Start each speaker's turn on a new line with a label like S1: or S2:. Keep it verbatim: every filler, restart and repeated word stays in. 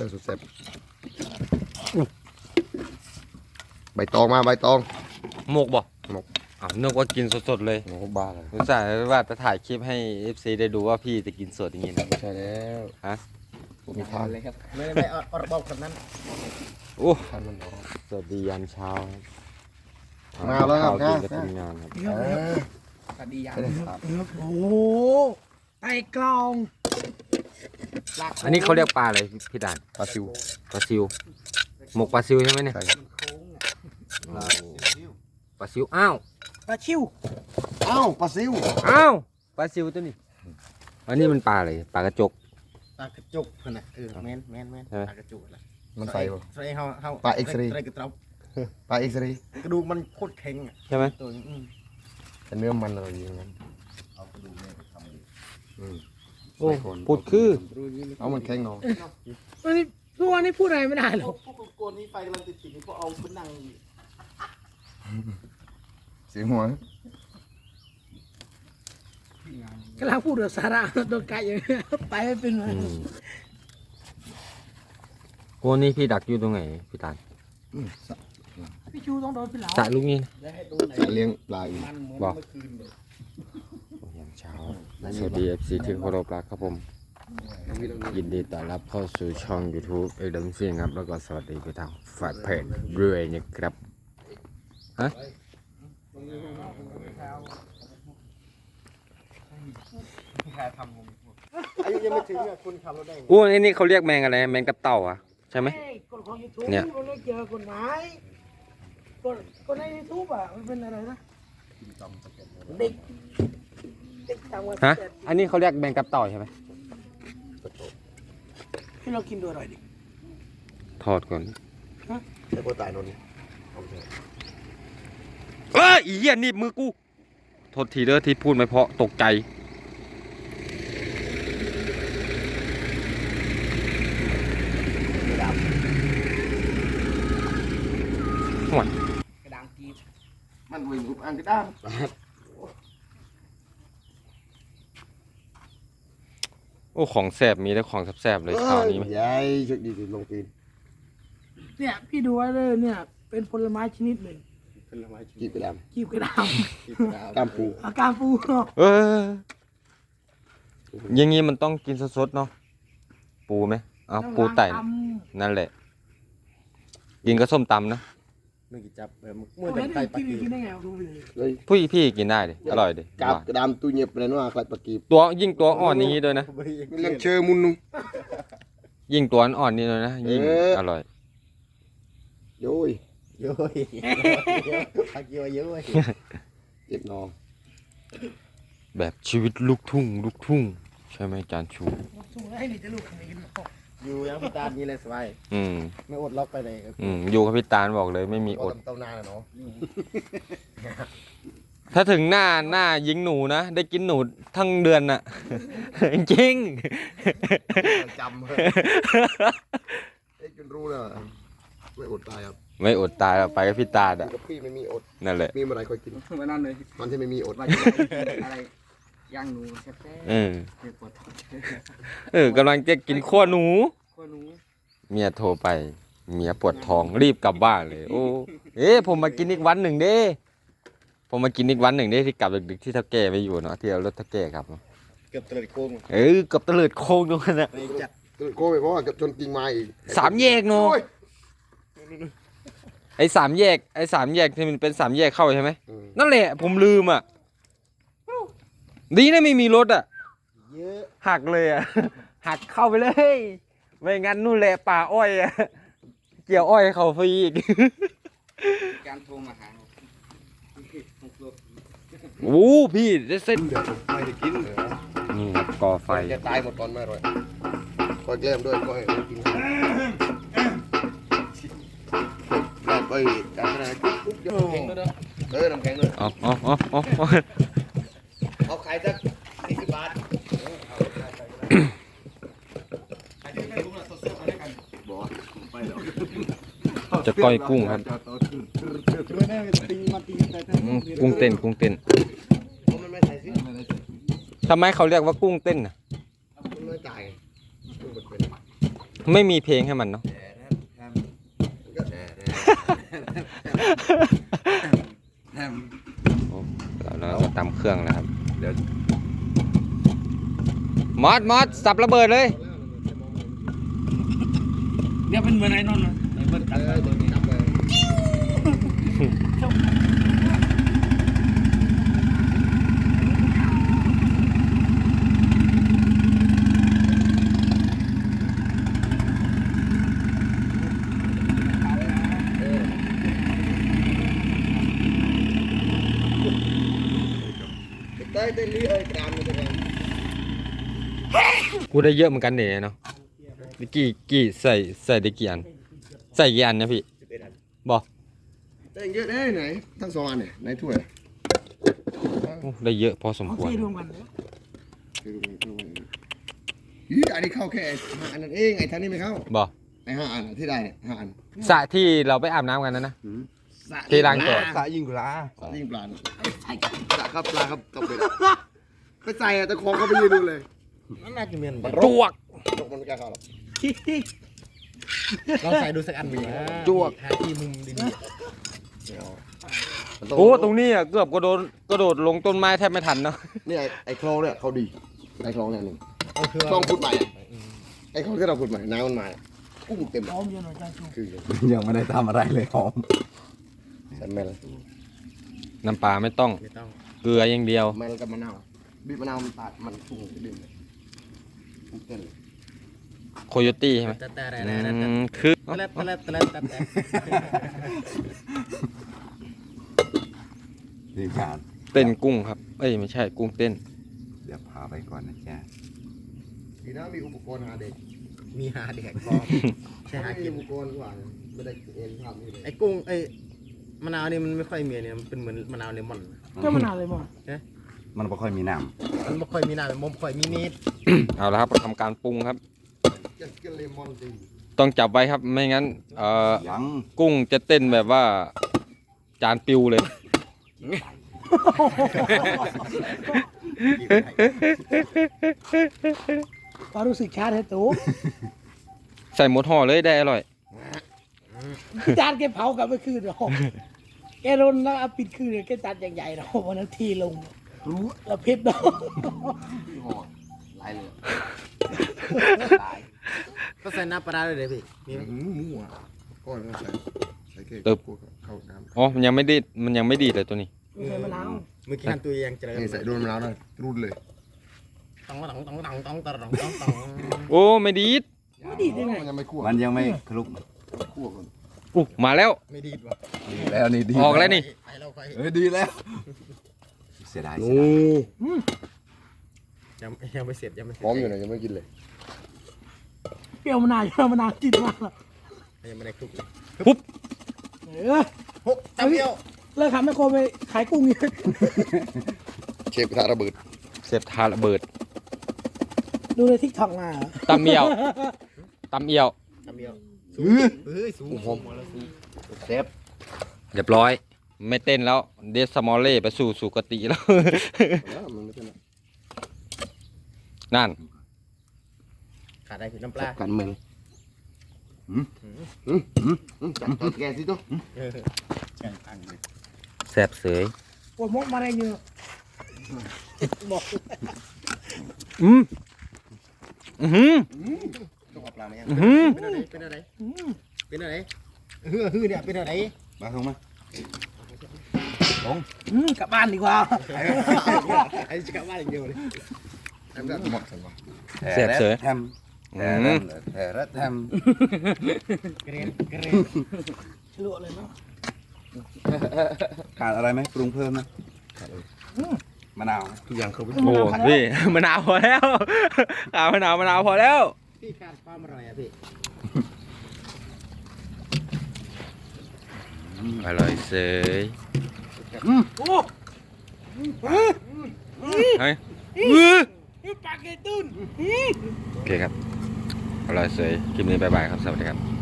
S1: อสุดแซ่บใบตองมาใบตอง
S2: หมกบ่
S1: หมก
S2: อ้าวนึกว่ากินสดๆเลย
S1: โอ้บ้าเลย
S2: รู้สึกว่าจะถ่ายคลิปให้ เอฟ ซี ได้ดูว่าพี่จะกินสดอย่างนี้นะ
S1: ไม่ใช่แล้ว
S2: ฮะ
S1: ผมมีทาน
S3: เลยครับไม่ไม่เอาระบบแบบนั้น
S2: โอ้
S1: ทานมันร้อน
S2: สวัสดียามเช้า
S1: มาแล้วครับ
S2: กินกับทีมงานครับ
S1: เออ
S3: สวัสดียาม
S4: โอ้โหไต่กลอง
S2: อันนี้เขาเรียกปลาอะไรพี่ดาน
S1: ปลาซิว
S2: ปลาซิวหมกปลาซิวใช่ไหมเนี่ย
S1: ใช่
S2: ปลาซิวอ้าว
S4: ปลาชิว
S1: เอ้าปลาซิว
S2: อ้าวปลาซิวตัวนี้อันนี้มันปลาอะไรปลากระจก
S3: ปลากระจุกขนาดเออแมนแมนแมนปลากระจุกละ
S1: มันใส่ป่ะ
S3: ใส่เฮาเฮา
S1: ปลาเอ็กซ์เรย์
S3: ใส่กระเตา
S1: ปลาเอ็กซ์เรย์
S3: กระดูกมันโคตรแข็งอ่ะ
S2: ใช่ไหม
S3: ตัวอืม
S1: แต่เนื้อมันอร่อยอย่างนั้น
S2: โอ้พูดคือ
S1: เอามันแข็งเนาะ
S4: วันนี้ทุกวันนี้พูดอะไรไม่ได้หรอก
S3: พวกโกนนี้ไฟกำลังติดๆพวกเอาไปนั่ง
S1: เสียงหัว
S4: กำลังพูดเรื่องสาระโดนไก่อย่างเงี้ยไปไม่เป็นเลย
S2: อืมโกนี่พี่ดักอยู่ตรงไหนพี่ตาล
S4: พี่ชูต้องโดนพี่เหลา
S2: สระลูกนี้นะ
S3: ได้ให้ดูไหน
S1: เลี้ยงปลาอีก
S3: มันเหมือน
S2: บอก
S3: เมื่อคืนเลย
S2: ยามเช้าสวัสดี เอฟ ซี ที่เคารพรักครับผม ยินดีต้อนรับเข้าสู่ช่อง YouTube เอกดมซิ่งครับ แล้วก็สวัสดีไปทางฝ่ายเพจด้วยนะครับฮะ
S3: ใครทำผมอายุยังไม่ถึงอ่ะคุณขับรถได้ไง
S2: อู้อันนี้เขาเรียกแมงอะไรแมงกับเต่าอ่ะใช่ไหม
S4: เฮ้ยกฎของยูทูบ
S2: เนี่ย
S4: มันไม่เกี่ยวกับกฎหมายกฎกฎในยูทูบอ่ะมันเป็นอะไรนะเด็กเด็กต่างวัย
S2: ฮะ
S4: แต่
S2: อันนี้เขาเรียกแมงกับเต่าใช่ไหม
S4: ให้เรากินดูอร่อยดิ
S2: ทอดก่อน
S1: ใช่ปลาตายนนท์
S2: เอ้ยอีเหี้ยหนีบมือกูโทษทีเด้อที่พูดไม่เพราะตกใจห่วย
S3: กระดางกีบ
S1: มันวิ่งอุบอังกระด้าม
S2: โอ้ของแสบมีแต่ของแสบๆเลยคราวนี้ไหม
S1: ใหญ่ชุดดีลงปีน
S4: เนี่ยพี่ดูไว้เลยเนี่ย เป็นผลไม้ชนิดหนึ่ง
S3: เป็นละไม้ชี
S1: กีบกระดาม
S4: กีบกระดาม
S3: กีบดาว
S1: กล้ามปู
S4: อาการปู
S2: เอออย่างงี้มันต้องกินสดๆเนาะปูไหมเอาปูไต่ นั่นแหละ กินก็ส้มตำนะ
S3: นึกกี่จับเออ
S4: เมื่
S3: เมื่
S4: อ
S3: อ
S4: ไหร่
S3: แต่ไก่ปลา
S4: กิน
S3: กีบ
S4: กินได้ไงดูไปเลย
S1: เลย
S2: พี่พี่กินได้ดิอร่อยดิ
S1: กาบกระดามตัวเงียบเลยนะว่าคล้ายปลากีบ
S2: ตัวยิ่งตัวอ่อนอย่างนี้ด้วยนะ
S1: มันเลี้ยงเชอมุนนุ่ง
S2: ยิ่งตัวอ่อนนี่เลยนะยิ่ง
S1: เออ
S2: อร่อย
S1: โย้ย
S3: เยอะปลากีบเยอะ
S1: เจ็บนอง
S2: แบบชีวิตลูกทุ่งลูกทุ่งใช่ไหมจานชู
S4: สูงให้ดิจะลูกขนาดนี้
S3: อยู่ยังพิตานี่เลยสบาย
S2: อืม
S3: ไม่อดล็อกไปเลย
S2: อืมอยู่กับพี่ตาลบอกเลยไม่มีอด
S1: เต้าหน้าเนาะ
S2: ถ้าถึงหน้าหน้ายิงหนูนะ ได้กินหนูทั้งเดือนน่ะ จริง
S1: จำเลยเอ็กจนรู้เลยไม่อดตายครับ
S2: ไม่อดตายหรอกไปกับพี่ตาลอ่ะ
S1: กับพี่ไม่มีอด
S2: นั่นแหละ
S1: มีเมื่อไรค่อยกิน
S3: มานั่นเลย
S1: มันที่ไม่มีอด
S3: ว่าอะไรย่างหนูแซ่บ
S2: เออ
S3: ๆเจ็บปวดท้อง
S2: เออกำลังจะกินขั้วหนู
S3: ข้อหนู
S2: เมียโทรไป เมียปวดท้องรีบกลับบ้านเลย โอ้ เอ๊ะผมมากินอีกวันหนึ่งเด้ ผมมากินอีกวันหนึ่งเด้ที่กลับดึกๆที่เท่าแก่ไปอยู่เนาะที่เอารถเท่าแก่ครับ
S3: เกือบตะลึงโค้ง
S2: เออเกับตะเลิดโค้งตรงนั้นนะ
S3: ไปจัด
S1: โก้ไปเพราะว่ากับจนกิ่งไม้อีก
S2: สามแยกเนาะ
S1: โอ้ย
S2: ไอ้สามแยกไอ้สามแยกที่มันเป็นสามแยกเข้าใช่ไหม
S1: อืม
S2: นั่นแหละผมลืมอ่ะดีนะไม่มีรถอ่ะ
S3: เยอะ
S2: หักเลยอ่ะ หักเข้าไปเลย ไม่งั้นนู่นแหละป่าอ้อยอ่ะเกี่ยวอ้อยเขาฟรีอีก
S3: การโทรมาหา
S2: โอ้พี่ได้เส้น
S1: เดี๋ยวผมไม่ได้กินเลย
S2: นี่ครับก่อไฟ
S1: แกตายหมดตอนไม่อร่อยก็แกล้มด้วยก็ให้กินได้ไปจานอะไรกุ๊บเดียวแข็งด้วยเออน้ำแข็งด้วย
S2: เอาเอาเอาเอาเอา
S1: เอาขายสักสี่สิบบาทบอกไปแล้ว
S2: จะก้อยกุ้งครับอืมกุ้งเต้นกุ้งเต้น
S1: มันไม่ใส่สิ
S2: ทำไมเขาเรียกว่ากุ้งเต้นน่ะ
S1: มันไม่จ่ายกุ้งเป็น
S2: ไม่มีเพลงให้มันเนาะ โอ้เราเราจะตำเครื่องนะครับ เดี๋ยวมอสมอสสับระเบิดเลย
S4: เนี่ยเป็นเหมือนไอ้นนท์นะไอ้เบิร์ดตัดไปเบิร์ดนี่
S1: จับเลย เต้ยเต้ยลี่เอ้ยกรามเลยเป็นไง
S2: กูได้เยอะเหมือนกันเนี่ยเนาะได้กี่กี่ใส่ใส่ได้กี่อัน ใส่กี่อันนะพี่บอก
S1: เต้ยเยอะได้ไหนทั้งสองอันเนี่ยในถ้วย
S2: โอ้ได้เยอะพอสม
S4: เอา
S2: ควร
S4: เทรวมกันเลย
S1: อีอันนี้เข้าแค่ห้าอันนั้นเองไอ้ท่านนี้ไม่เข้า
S2: บอก
S1: ไอ้ห้าอันที่ได้เนี่ยห้าอัน
S2: สระที่เราไปอาบน้ำกันนะนะ ที่ล้างตัว
S3: สายิงกุลา
S1: ยิ่งปลาใส่ครับปลาครับกับเป็ดไปใส่อะตะคองเขาไปยืนดูเลย
S3: นั่นน่าจะเมียน
S2: จวก
S1: ตกมันไม่กล้าเข้าหรอก
S3: ลองใส่ดูสักอันดีนะ
S2: จวก
S3: หาที่มุมดี
S2: โอ้ตรงนี้อ่ะเกือบกระโดดกระโดดลงต้นไม้แทบไม่ทันเนาะ
S1: นี่ไอ้ไอ้คลองเนี่ยเขาดีไอ้คลองเนี่ยหนึ่ง
S3: ๆเอาคือ
S1: คลองขุดใหม่อะไอ้คลองที่เราขุดใหม่น้ำมันมากุ้งเต็ม
S4: พร้อมเยอะหน่อยจ้าชู
S1: คือ
S3: ยังไม่ได้ทำอะไรเลยหอม
S1: ใส่แมล
S2: น้ำปลาไม่ต้อง
S3: ไม่ต้อง
S2: เกลืออย่างเดียว
S1: แมลกับมะนาวบีบมะนาวมันตัดมันกุ้งดื่มเลยกุ้งเต้นเลย
S2: โคโยตี้ใช่ไหม
S3: แต่แต่แต่
S2: อื
S3: แต่แต่
S2: มคือ
S3: แต่แต่แต่แต่แต่
S5: ทีมงาน
S2: เต้นกุ้งครับ เอ้ยไม่ใช่กุ้งเต้น
S5: เดี๋ยวพาไปก่อนนะจ๊ะ
S1: ดีนะมีอุปกรณ์หาเด็ก
S3: มีหาเด็กพร้อมใช่หา
S1: ไม่
S3: กิ
S1: มี
S3: น
S1: อุปกรณ์กว่าไม่ได้เอ็นทำนี่เลย
S3: ไอ้กุ้งไอ้มะนาวนี่มันไม่ค่อยมีเนี่ยมันเป็นเหมือนมะนาวเลมอน
S4: ก็มานานเลยมั้ง
S5: มันไม่ค่อยมีน้
S3: มันไม่ค่อยมีหน้ามันไม่ค่อยมีนิด
S2: เอาละครับทำการปรุงครับ
S1: จะกินเลมอนจริง
S2: ต้องจับไว้ครับไม่งั้นเอ่อ
S5: ำยัง
S2: กุ้งจะเต้นแบบว่า จานปิวเลย
S4: ความรู้สึกชาติให้ตู้
S2: ใส่หมดห่อเลยได้อร่อย
S4: จานแกเผากลับไปคืนหรอกแกรนแล้วเอาปิดคืนเลยแกจานใหญ่ๆเนาะวันนั้นทีลงรู้แล้วเพชรเนาะ
S1: พี่ห่อหลายเลย
S3: ก็ใส่น้ำปลาร้าเลยเดี๋ยวพี่มีไหม
S1: หืมหมูอ่ะก้อนก็ใส่ใส่เค้ก
S2: ตึบ
S1: กลัวเข้าน้
S2: อ๋อมันยังไม่ดีดมันยังไม่ดีดเลยตัวนี้
S4: ไม่ใช่มะนาว
S3: เมื่อกี้หันตัวยังเจริญ
S1: ำนี่ใส่โดนมะนาวหน่อยรูดเลย
S3: ต้องต้องต้องต้องต้องต้องต้องต้องต้อง
S2: โอ้ไม่ดีด
S4: ไม่ดีได้ไง
S1: มันยังไม่คั่ว
S5: มันยังไม่คลุก
S1: คั่วก่อน
S2: อู้มาแล้ว
S3: ไม่ดีดว่ะ
S5: ดีแล้วนี่ดี
S2: ออกแล้วนี่
S3: ไปเราไป
S5: เอ้ยดีแล้ว เสียดาย
S1: โอ้
S3: ยังยังไม่เสร็จยังไม่เสร็จ
S1: พร้อมอยู่นะยังไม่กินเลย
S4: เปรี้ยวมะนาวเปรี้ยวมะนาวจิตมากเลย
S3: ยังไม่ได้คลุกเลย
S4: เออ
S3: หกตะเกียว
S4: เลิกทำให้โคไปขายกุ้งอีก
S1: เชฟกระทะระเบิด
S2: เสพทาระเบิด
S4: ดูในทิกทอกมาเหรอ
S2: ตำเอียวตำเอียว
S3: ตะเกียวสูงเฮ้ยสูงสูงมาแล้วสูง
S1: เชฟ
S2: เรียบร้อย ไม่เต้นแล้วเดสมอลเล่ไปสู่สุกติแล้ว
S1: แล้วมันไม่เป็นไร
S2: นั่น
S3: ขาดอะไรคือน้ำปลา
S1: กันมืออืมอืมอืมจัดจัดแกสิตัว
S3: เออ
S2: แสบเสย
S4: ปวดมกมาได้เยอะบอก
S2: อืมอือหือ
S1: ต้องเอาปลาไหม
S2: อือหือ
S3: เป็นอะไรเป็นอะไรเป็นอะไรเฮือฮือเนี่ยเป็นอะไร
S5: มาลงมา
S4: อืมกลับบ้านดีกว่า
S3: ไอ้จะกลับบ้านอย่างเดียวเลย
S1: ทำได้หมดสันวะ
S2: แสบเสย
S5: แทมแทมแทมแทม
S3: กระเรียนกระเรียน
S4: ฉลวเลยเนาะ
S5: ขาดอะไรไหมปรุงเพิ่มนะมะนาวไหม
S1: ทุกอย่างเขาไป
S2: โอ้พี่ มะนาวพอแล้วขามะนาวมะนาวพอแล้ว
S3: พี่ขาดความอะไรอ่ะพี่
S2: อร่อยเสย
S4: โอ้
S2: เฮ้ย
S4: ปากเกตุน
S2: โอเคครับ อร่อยเสยคลิปนี้บ๊ายบายครับ สวัสดีครับ